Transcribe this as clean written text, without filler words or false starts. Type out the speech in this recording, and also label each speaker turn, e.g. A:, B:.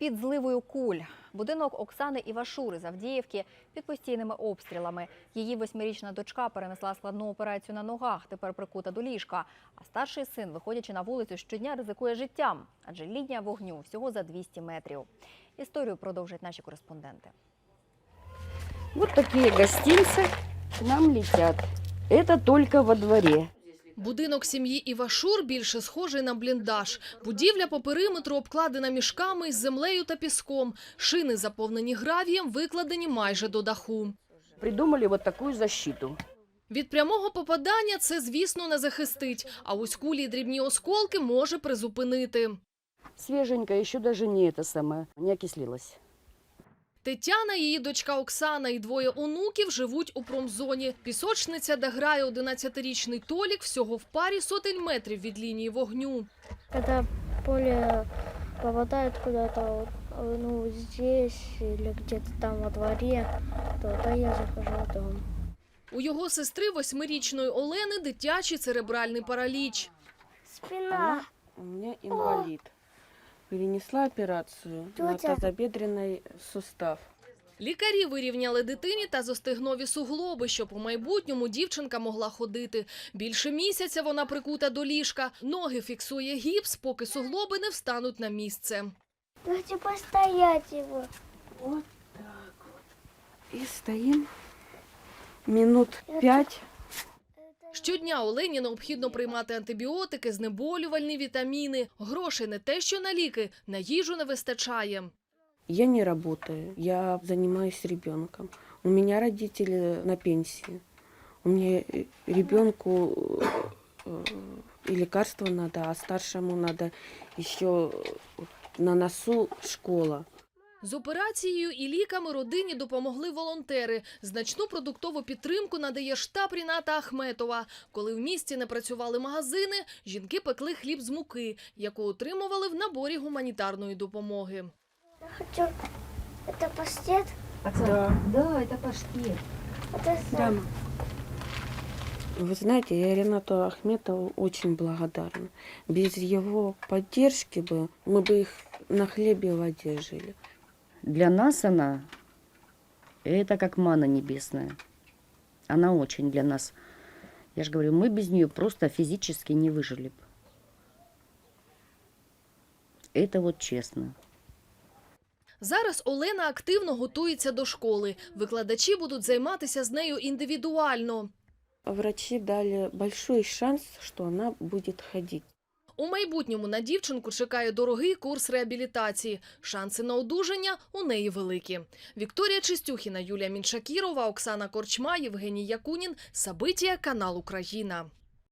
A: під зливою куль. Будинок Оксани Івашури з Авдіївки під постійними обстрілами. Її 8-річна дочка перенесла складну операцію на ногах, тепер прикута до ліжка. А старший син, виходячи на вулицю, щодня ризикує життям, адже лінія вогню всього за 200 метрів. Історію продовжать наші кореспонденти.
B: Вот такие гостинцы к нам летят. Это только во дворе.
C: Будинок сім'ї Івашур більше схожий на бліндаж. Будівля по периметру обкладена мішками із землею та піском. Шини, заповнені гравієм, викладені майже до даху.
B: Придумали вот такую защиту.
C: Від прямого попадання це, звісно, не захистить, а ось кулі й дрібні осколки може призупинити.
B: Свеженькая, еще даже не окислилась.
C: Тетяна, її дочка Оксана і двоє онуків живуть у промзоні. Пісочниця, де грає 11-річний Толік, всього в парі сотень метрів від лінії вогню.
D: Когда поле попадает куда-то, здесь или где-то там во дворе, то я захожу в дом.
C: У його сестри 8-річної Олени дитячий церебральний параліч.
D: Спина.
E: У меня инвалид. Перенесла операцию на тазобедренный сустав.
C: Лікарі вирівняли дитині тазостегнові суглоби, щоб у майбутньому дівчинка могла ходити. Більше місяця вона прикута до ліжка. Ноги фіксує гіпс, поки суглоби не встануть на місце.
D: Давайте постоять его.
E: Вот так вот. И стоим минут 5.
C: Щодня Олені необхідно приймати антибіотики, знеболювальні вітаміни. Грошей не те, що на ліки, на їжу не вистачає.
E: Я не работаю, я занимаюсь ребенком. У меня родители на пенсии. У меня ребенку и лекарства надо, а старшему надо еще на носу школа.
C: З операцією і ліками родині допомогли волонтери. Значну продуктову підтримку надає штаб Ріната Ахметова. Коли в місті не працювали магазини, жінки пекли хліб з муки, яку отримували в наборі гуманітарної допомоги.
D: Я хочу... Это паштет?
B: Да, это паштет.
D: Это
E: Вы знаете, я Ринату Ахметову очень благодарна. Без его поддержки мы бы их на хлебе и воде жили.
B: Для нас она, это как манна небесная. Она очень для нас. Я же говорю, мы без нее просто физически не выжили бы. Это вот честно.
C: Зараз Олена активно готується до школи. Викладачі будуть займатися з нею індивідуально.
E: Врачи дали большой шанс, что она будет ходить.
C: У майбутньому на дівчинку чекає дорогий курс реабілітації. Шанси на одужання у неї великі. Вікторія Чистюхіна, Юлія Міншакірова, Оксана Корчма, Євгеній Якунін. Сабитія, канал Україна.